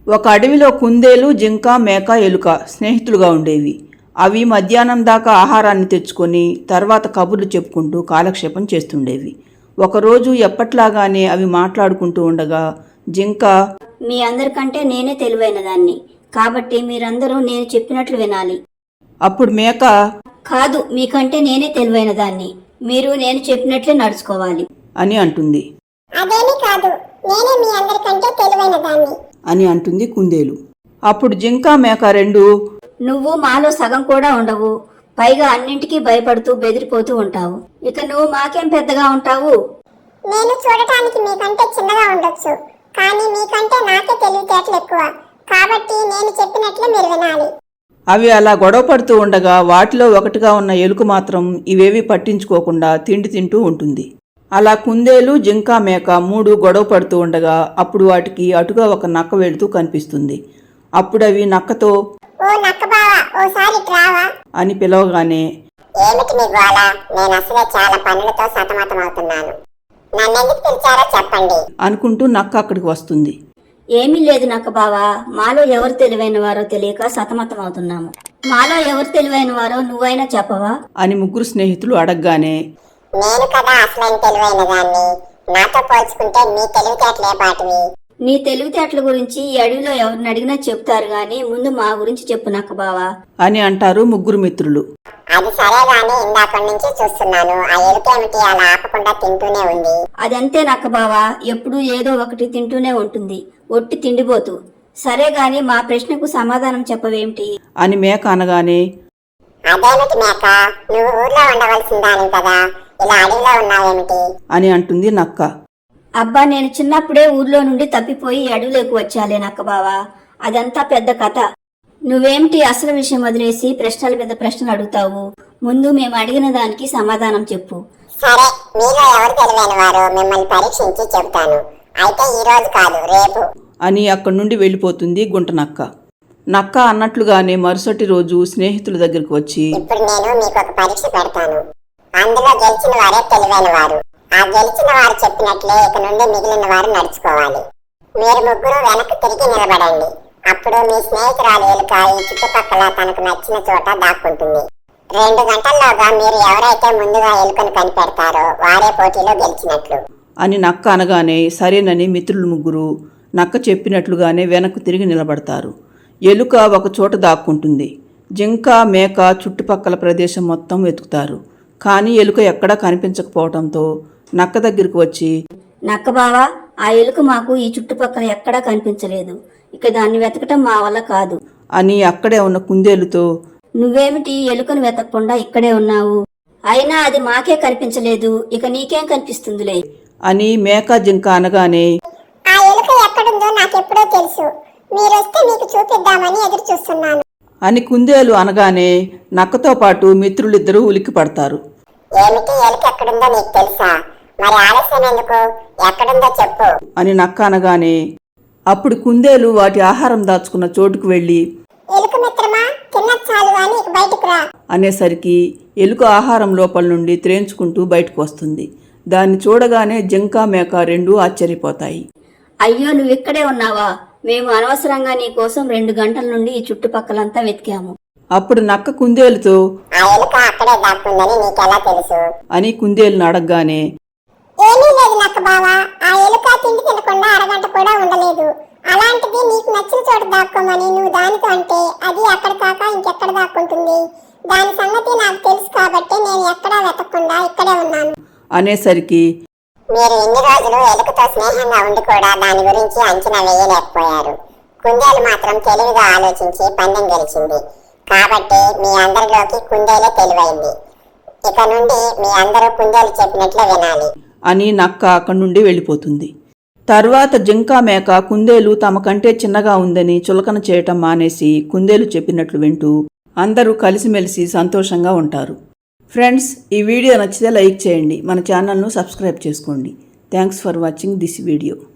ఒక అడవిలో కుందేలు, జింక, మేక, ఎలుక స్నేహితులుగా ఉండేవి. అవి మధ్యాహ్నం దాకా ఆహారాన్ని తెచ్చుకొని తర్వాత కబుర్లు చెప్పుకుంటూ కాలక్షేపం చేస్తుండేవి. ఒకరోజు ఎప్పట్లాగానే అవి మాట్లాడుకుంటూ ఉండగా జింక, మీ అందరికంటే నేనే తెలివైన దాన్ని, కాబట్టి మీరందరూ నేను చెప్పినట్లు వినాలి. అప్పుడు మేక, కాదు, మీకంటే నేనే తెలివైన దాన్ని, మీరు నేను చెప్పినట్లే నడుచుకోవాలి అని అంటుంది. అదేమీ కాదు, నేనే మీ అందరికంటే తెలివైన దాన్ని అని అంటుంది కుందేలు. అప్పుడు జింక, మేక రెండు, నువ్వు మాలో సగం కూడా ఉండవు, పైగా అన్నింటికీ భయపడుతూ బెదిరిపోతూ ఉంటావు, ఇక నువ్వు మాకేం పెద్దగా ఉంటావు. నేను చూడటానికి మీకంటే చిన్నగా ఉండొచ్చు, కానీ మీకంటే నాకే తెలివితేటలు ఎక్కువ, కాబట్టి నేను చెప్పినట్లే మీరు వినాలి. అవి అలా గొడవ పడుతూ ఉండగా వాటిలో ఒకటిగా ఉన్న ఎలుక మాత్రం ఇవేవి పట్టించుకోకుండా తిండి తింటూ ఉంటుంది. అలా కుందేలు, జింక, మేక మూడు గొడవ పడుతూ ఉండగా అప్పుడు వాటికి అటుగా ఒక నక్క వెళుతూ కనిపిస్తుంది. అప్పుడు అవి నక్కతో, ఓ నక్క బావా, ఓసారి రావా అని పిలవగానే, ఏమిటి మీ గోళ? నేను అసలే చాలా పనులతో సతమతమవుతున్నాను, నన్నెందుకు పిలిచారో చెప్పండి అనుకుంటూ నక్క అక్కడికి వస్తుంది. ఏమీ లేదు నక్క బావా, మాలో ఎవరు తెలివైన వారో తెలియక సతమతం అవుతున్నాము. మాలో ఎవరు తెలివైన వారో నువ్వైనా చెప్పవా అని ముగ్గురు స్నేహితులు అడగగానే, నేను కదా అసలైన తెలివైన దాన్ని, నాతో పోల్చుకుంటే మీ తెలివితేటలే బాటివి. నీ తెలివితేటల గురించి ఈ అడవిలో ఎవరిని అడిగినా చెప్తారు గాని ముందు మా గురించి చెప్పు నక్క బావా అని అంటారు ముగ్గురు మిత్రులు. అది సరే గాని ఇందాక నుంచి చూస్తున్నాను, ఆ ఎలుకేమిటి అలా ఆపకుండా తింటూనే ఉంది. అదంతే నక్క బావా, ఎప్పుడూ ఏదో ఒకటి తింటూనే ఉంటుంది, ఒట్టి తిండిపోతూ. సరే గాని మా ప్రశ్నకు సమాధానం చెప్పవేమిటి అని మేక అనగానే, అదేమిటి మేక, నువ్వు ఊర్లో ఉండవలసిన దాని కదా, ఇలా అడవిలో ఉన్నావేమిటి అని అంటుంది నక్క. అబ్బా, నేను చిన్నప్పుడే ఊర్లో నుండి తప్పిపోయి అడవిలోకి వచ్చాలే నక్క బావా, అదంతా పెద్ద కథ. నువ్వేమిటి అసలు విషయం వదిలేసి ప్రశ్నల మీద ప్రశ్నలు అడుగుతావు? ముందు మేము అడిగిన దానికి సమాధానం చెప్పు. సరే, మీలో ఎవరు తెలివైన వారు మిమ్మల్ని పరీక్షించి చెబుతాను. అయితే ఈ రోజు కాదు, రేపు అని అక్కడి నుండి వెళ్ళిపోతుంది గుంట నక్క. నక్క అన్నట్లుగానే మరుసటి రోజు స్నేహితుల దగ్గరకు వచ్చి, ఇప్పుడు నేను మీకు ఒక పరీక్ష పెడతాను, అందులో గెలిచిన వారే తెలివైన వారు. ఆ గెలిచిన వారు చెప్పినట్లే ఇక నుండి మిగిలిన వారు నడుచుకోవాలి. మీరు ముగ్గురు వెనక్కి తిరిగి నిలబడండి. అప్పుడు మీ స్నేహితురాలు ఎలుక ఈ చుట్టుపక్కల తనకు నచ్చిన చోట దాక్కుంటుంది. 2 గంటల్లోగా మీరు ఎవరైతే ముందుగా ఎలుకను కనిపెడతారో వారే పోటీలో గెలిచినట్లు అని నక్క అనగానే సరేనని మిత్రులు ముగ్గురు నక్క చెప్పినట్లుగానే వెనక్కు తిరిగి నిలబడతారు. ఎలుక ఒక చోట దాక్కుంటుంది. జింక, మేక చుట్టుపక్కల ప్రదేశం మొత్తం వెతుకుతారు. కానీ ఎలుక ఎక్కడా కనిపించకపోవడంతో నక్క దగ్గరికి వచ్చి, నక్క బావా, ఆ ఎలుక మాకు ఈ చుట్టుపక్కల ఎక్కడా కనిపించలేదు, ఇక దాన్ని వెతకటం మా వల్ల కాదు అని అక్కడే ఉన్న కుందేలుతో, నువ్వేమిటి ఎలుకను వెతకకుండా ఇక్కడే ఉన్నావు? అయినా అది మాకే కనిపించలేదు, ఇక నీకేం కనిపిస్తుందిలే అని మేక, జింక అనగానే, ఆ ఎలుక ఎక్కడుందో నాకెప్పుడో తెలుసు, మీరొస్తే మీకు చూపిద్దామని ఎదురు చూస్తున్నాను అని కుందేలు అనగానే నక్కతో పాటు మిత్రులిద్దరూ ఉలిక్కి పడతారు. ఏమిటి, ఎలుక ఎక్కడుందో నీకు తెలుసా? మరి ఆలస్యం ఎందుకు, ఎక్కడుందో చెప్పు అని నక్క అనగానే అప్పుడు కుందేలు వాటి ఆహారం దాచుకున్న చోటుకు వెళ్ళి, ఎలుక మిత్రమా, తిన్న చాలు అని ఇక బయటకు రా అనేసరికి ఎలుక ఆహారం లోపల నుండి త్రేంచుకుంటూ బయటకు వస్తుంది. దాన్ని చూడగానే జింక, మేక రెండూ ఆశ్చర్యపోతాయి. అయ్యో, నువ్విక్కడే ఉన్నావా? మేము అనవసరంగా నీ కోసం 2 గంటల నుండి ఈ చుట్టుపక్కలంతా వెతికాము. అప్పుడు నక్క కుందేలుతో, ఆ ఎలుక అక్కడే దాక్కుందని నీకెలా తెలుసు అని కుందేలును అడగగానే, ఏమీ లేదు నక్క బావా, ఆ ఎలుక తిండి తినకుండా అరగంట కూడా ఉండలేదు, అలాంటిది నీకు నచ్చిన చోట దాక్కోమని నువ్వు దానితో అంటే అది అక్కడ కాక ఇంకెక్కడ దాక్కుంటుంది? దాని సంగతి నాకు తెలుసు కాబట్టి నేను ఎక్కడా వెతకకుండా ఇక్కడే ఉన్నాను అనేసరికి, మీరు ఇన్ని రోజులు ఎలుకతో స్నేహంగా ఉండి కూడా దాని గురించి అంచనా వేయలేకపోయారు. కుందేలు మాత్రం తెలివిగా ఆలోచించి పందెం గెలిచింది, కాబట్టి మీ అందరిలోకి కుందేలే తెలివైంది. ఇక నుండి మీ అందరూ కుందేలు చెప్పినట్లే వినాలి అని నక్క అక్కడి నుండి వెళ్ళిపోతుంది. తర్వాత జింక, మేక కుందేలు తమ కంటే చిన్నగా ఉందని చులకన చేయటం మానేసి కుందేలు చెప్పినట్లు వింటూ అందరూ కలిసిమెలిసి సంతోషంగా ఉంటారు. ఫ్రెండ్స్, ఈ వీడియో నచ్చితే లైక్ చేయండి, మన ఛానల్ను సబ్స్క్రైబ్ చేసుకోండి. Thanks for watching this video.